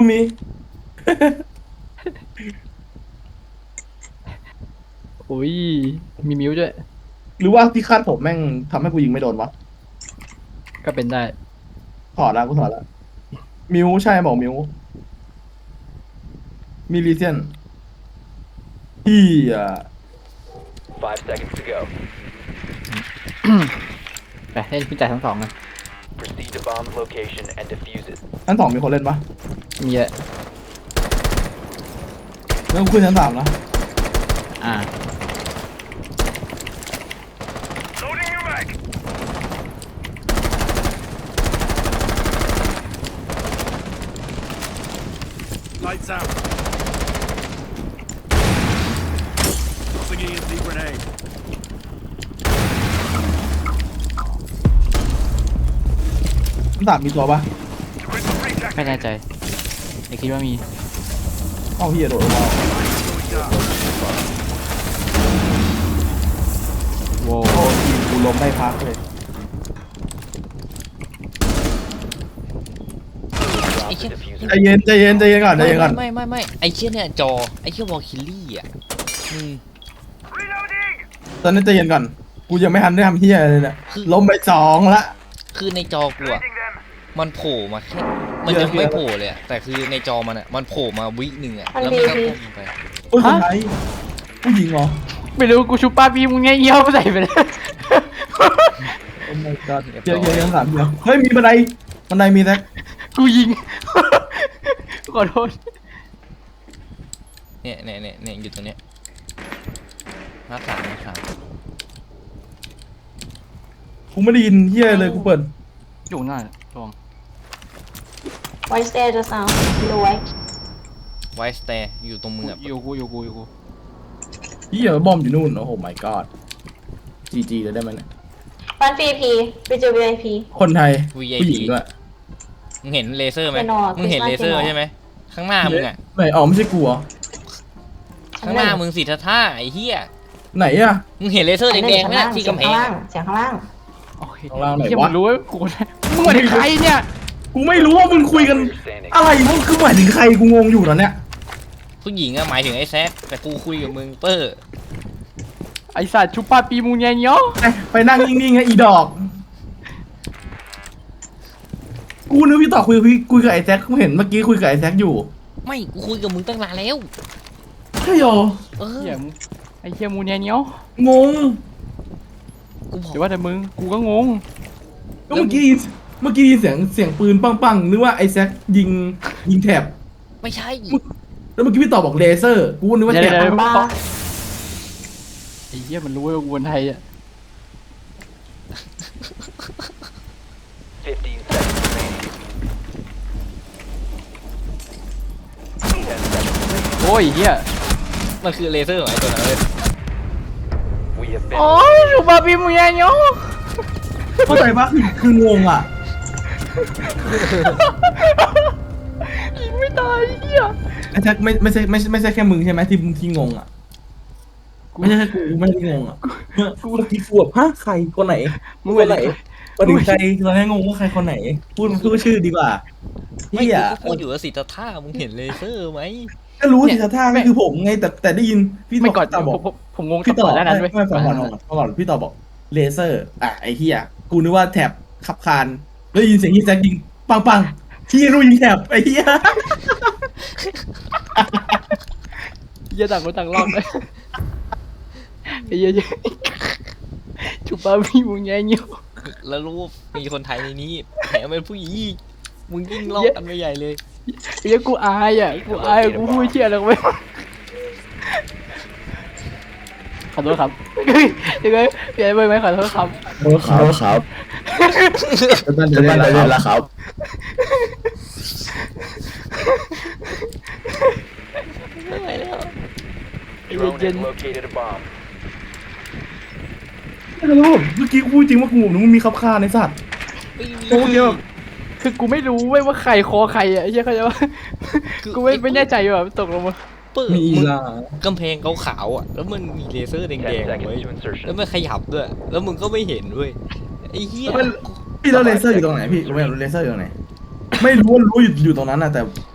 มีอุ้ยมีมิวด้วยหรือว่าที่คาดผมแม่งทำให้กูยิงไม่โดนวะก็เป็นได้ถอดแล้วกูถอดแล้วมิวใช่บอกมิวมีลีเซียนพี่อ่ะ 5 seconds to go. ไปเล่นพิจารณ์ทั้งสองนะ Proceed to bomb's location and defuse it. ชั้นสองมีคนเล่นปะมีเยอะแล้วกูขึ้นชั้นสามแล้วอ่า Loading your mag. Lights out. Tossing in the grenade. ชั้นสามมีตัวปะไม่แน่ใจแต่คิดว่ามีเอ้าพี่โดดลงมาโว้โอ้ทีมกูล้มได้พักเลย Drop the diffuser. ใจเย็นใจเย็นใจเย็นก่อนใจเย็นก่อนไม่ไอเชี่ยเนี่ยจอไอเชี่ยวอลคิลลี่อ่ะ Reloading. ตอนนี้ใจเย็นก่อนกูยังไม่ทันได้ทำเฮียเลยเนี่ยล้มไปสองละคือในจอกูอ่ะ Hitting them. มันโผล่มาแค่มันยังไม่โผล่เลยอะแต่คือในจอมันอ่ะมันโผล่มาวิหนึ่งอ่ะแล้วมันก็พุ่งไปโอ้ยคนไทยผู้หญิงเหรอไม่รู้กูชุบป้าบีมึงไงเยี่ยวใส่ไปเลยโอ้ my god เจอชั้นสามเดียวเฮ้ยมีบันไดมีแท็กกูยิง ขอโทษเนี่ยอยู่ตรงเนี้ยหน้าสามกูไม่ได้ยินเฮียเลยกูเปิดอยู่หน้าลอง White stairs just now. Below white. ไวสเตย์อยู่ตรงมืออยู่กูเฮียบอมอยู่นู่นโอ้โห my god GG เลยได้ไหมเนี่ย One VIP. Vigil VIP. คนไทยวีผู้หญิงด้วยมึงเห็นเลเซอร์ไหมไม่นอนมึงเห็นเลเซอร์ไม่นอนใช่ไหมข้างหน้ามึงอ่ะไม่อ๋อไม่ใช่กูเหรอข้างหน้ามึงสิท่าไอ้เหี้ยไหนอะมึงเห็นเลเซอร์แดงๆไหมล่ะที่กำแพงเสียงข้างล่างโอเคข้างล่างไหนเหี้ยวะมันรู้ว่ากูมึงมาถึงใครเนี่ยกูไม่รู้ว่ามึงคุยกัน Standing. อะไรมึงคือหมายถึงใครกูงงอยู่ตอนเนี้ยผู้หญิงอะหมายถึงไอ้แซคแต่กูคุยกับมึงเปอร์ไอสัตว์ชุบป้าบีมึงไงเนาะไปนั่งนิ่งๆไงอีดอก กูนึกพี่ต่อคุยกับไอ้แจ็คกูเห็นเมื่อกี้คุยกับไอ้แจ็คอยู่ไม่กูคุยกับมึงตั้งนานแล้วใช่หรอเออเหี้ยมึงไอเหี้ยมูเนี่ยเนาะงงกูบอกเดี๋ยวว่าแต่มึงกูก็งงก็เมื่อกี้ยินเสียงปืนปังๆนึกว่าไอ้แจ็คยิงแถบไม่ใช่แล้วเมื่อกี้พี่ต่อบอกเลเซอร์กูนึกว่าแถบเดี๋ยวบ้าไอเหี้ยมันรู้ว่ากูคนไทยอ่ะ 15 seconds remaining. 10 seconds. โอ้ยเหี้ยมันคือเลเซอร์ของไอ้ตัวนั้นเลย We have been. โอ้ยชุบป้าบีมึงไงเนาะเข้าใจปะคืองงอ่ะยิงไม่ตายเหี้ยไอ้แจ็คไม่ใช่แค่มึงใช่ไหมที่งงอ่ะไม่ใช่แค่กูไม่ได้งงอ่ะกูเมื่อกี้กูแบบฮะใครคนไหนมึงคไปนไหไหนนประเด็นใครตอนแรกงงว่าใครคนไหน พูดชื่อดีกว่าไม่พี่กูอ่ะก็พูดอยู่ว่าสิท่ามึงเห็นเลเซอร์ไหมก็รู้สิท่าก็คือผมไงแต่ได้ยินพี่ไม่ก่อนต่อบอกผมงงพี่ต่อก่อนหน้านั้นเว้ยไม่ฟังก่อนพี่ต่อบอกเลเซอร์อ่ะไอ้เหี้ยกูนึกว่าแถบขับคานแล้วยินเสียงที่แจ็คยิงปังพี่รู้ยิงแถบไอ้เหี้ยเหี้ยต่างคนต่างรอบเลยไอ้เหี้ยชุบป้าบีมึงไงเนาะแล้วรู้ว่ามีคนไทยในนี้แถมเป็นผู้หญิงอีกมึงยิ่งลอกกันไปใหญ่เลยไอ้เหี้ยกูอายอ่ะกูพูดเชี่ยอะไรกูไม่ขอโทษครับยังไงพี่ไอ้เบย์ไหมขอโทษครับครับจะได้แล้วครับไม่ไหวแล้ว Drone has located a bomb. ไม่รู้เมื่อกี้กูพูดจริงว่ากูนึกว่ามีขับคานในสัตว์ไม่มีโอ้เดียวคือกูไม่รู้เว้ยว่าใครคอใครอ่ะไอ้เหี้ยเขาใจว่ากูไม่แน่ใจว่าตกลงมาเปิดมีมึงล่ะกำแพงขาวๆอ่ะแล้วมันมีเลเซอร์แด 10 งๆไว้ seconds to แล้ว insertion. มันขยับด้วยแล้วมึงก็ไม่เห็นด้วยไอ้เหี้ยพี่แล้วเลเซอร์อยู่ตรงไหนพี่รู้ไหมเลเซอร์อยู่ตรงไหนไม่รู้ว่ารู้อยู่ตรงนั้นนะแต่